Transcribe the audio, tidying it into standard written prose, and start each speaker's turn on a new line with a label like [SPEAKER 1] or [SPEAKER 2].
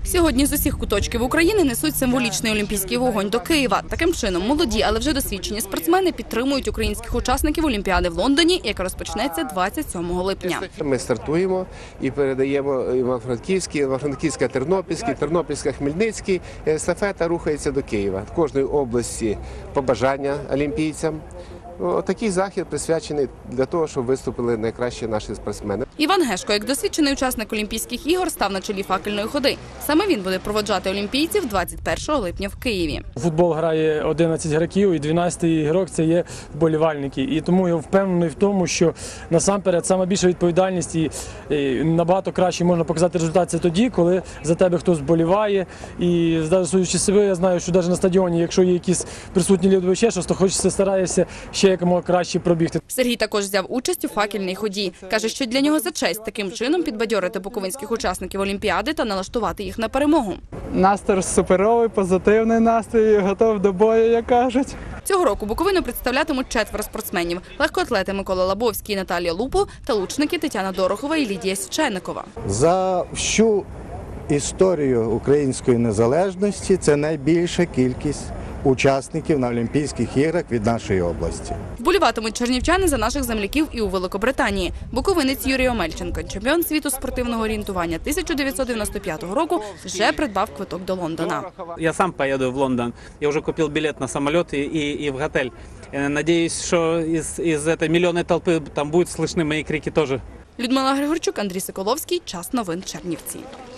[SPEAKER 1] Сьогодні з усіх куточків України несуть символічний олімпійський вогонь до Києва. Таким чином, молоді, але вже досвідчені спортсмени підтримують українських учасників Олімпіади в Лондоні, яка розпочнеться 27 липня.
[SPEAKER 2] Ми стартуємо і передаємо Івано-Франківська, Тернопільський, Тернопільська, Хмельницький. Естафета рухається до Києва. В кожної області побажання олімпійцям. Такий захід присвячений для того, щоб виступили найкращі наші спортсмени.
[SPEAKER 1] Іван Гешко, як досвідчений учасник Олімпійських ігор, став на чолі факельної ходи. Саме він буде проводжати олімпійців 21 липня в Києві.
[SPEAKER 3] Футбол грає 11 гравців і 12-й ігрок – це є вболівальники. І тому я впевнений в тому, що насамперед саме більша відповідальність і набагато краще можна показати результат це тоді, коли за тебе хтось вболіває. І судячи з себе, я знаю, що навіть на стадіоні, якщо є якісь присутні люди, ще щось, то хочеться, стараєшся ще якомога краще пробігти.
[SPEAKER 1] Сергій також взяв участь у факельній ході. Каже, що для нього за честь таким чином підбадьорити буковинських учасників Олімпіади та налаштувати їх на перемогу.
[SPEAKER 4] Настрій суперовий, позитивний настрій, готов до бою, як кажуть.
[SPEAKER 1] Цього року Буковину представлятимуть 4 спортсменів – легкоатлети Микола Лабовський і Наталія Лупо та лучники Тетяна Дорохова і Лідія Січеникова.
[SPEAKER 5] За всю історію української незалежності це найбільша кількість учасників на Олімпійських іграх від нашої області.
[SPEAKER 1] Вболіватимуть чернівчани за наших земляків і у Великобританії. Буковинець Юрій Омельченко, чемпіон світу спортивного орієнтування 1995 року, вже придбав квиток до Лондона.
[SPEAKER 6] Я сам поеду в Лондон. Я уже купил билет на самолет и в готель. Надеюсь, что из этой миллионной толпы там будут слышны мои крики тоже.
[SPEAKER 1] Людмила Григорчук, Андрій Соколовський. Час новин Чернівці.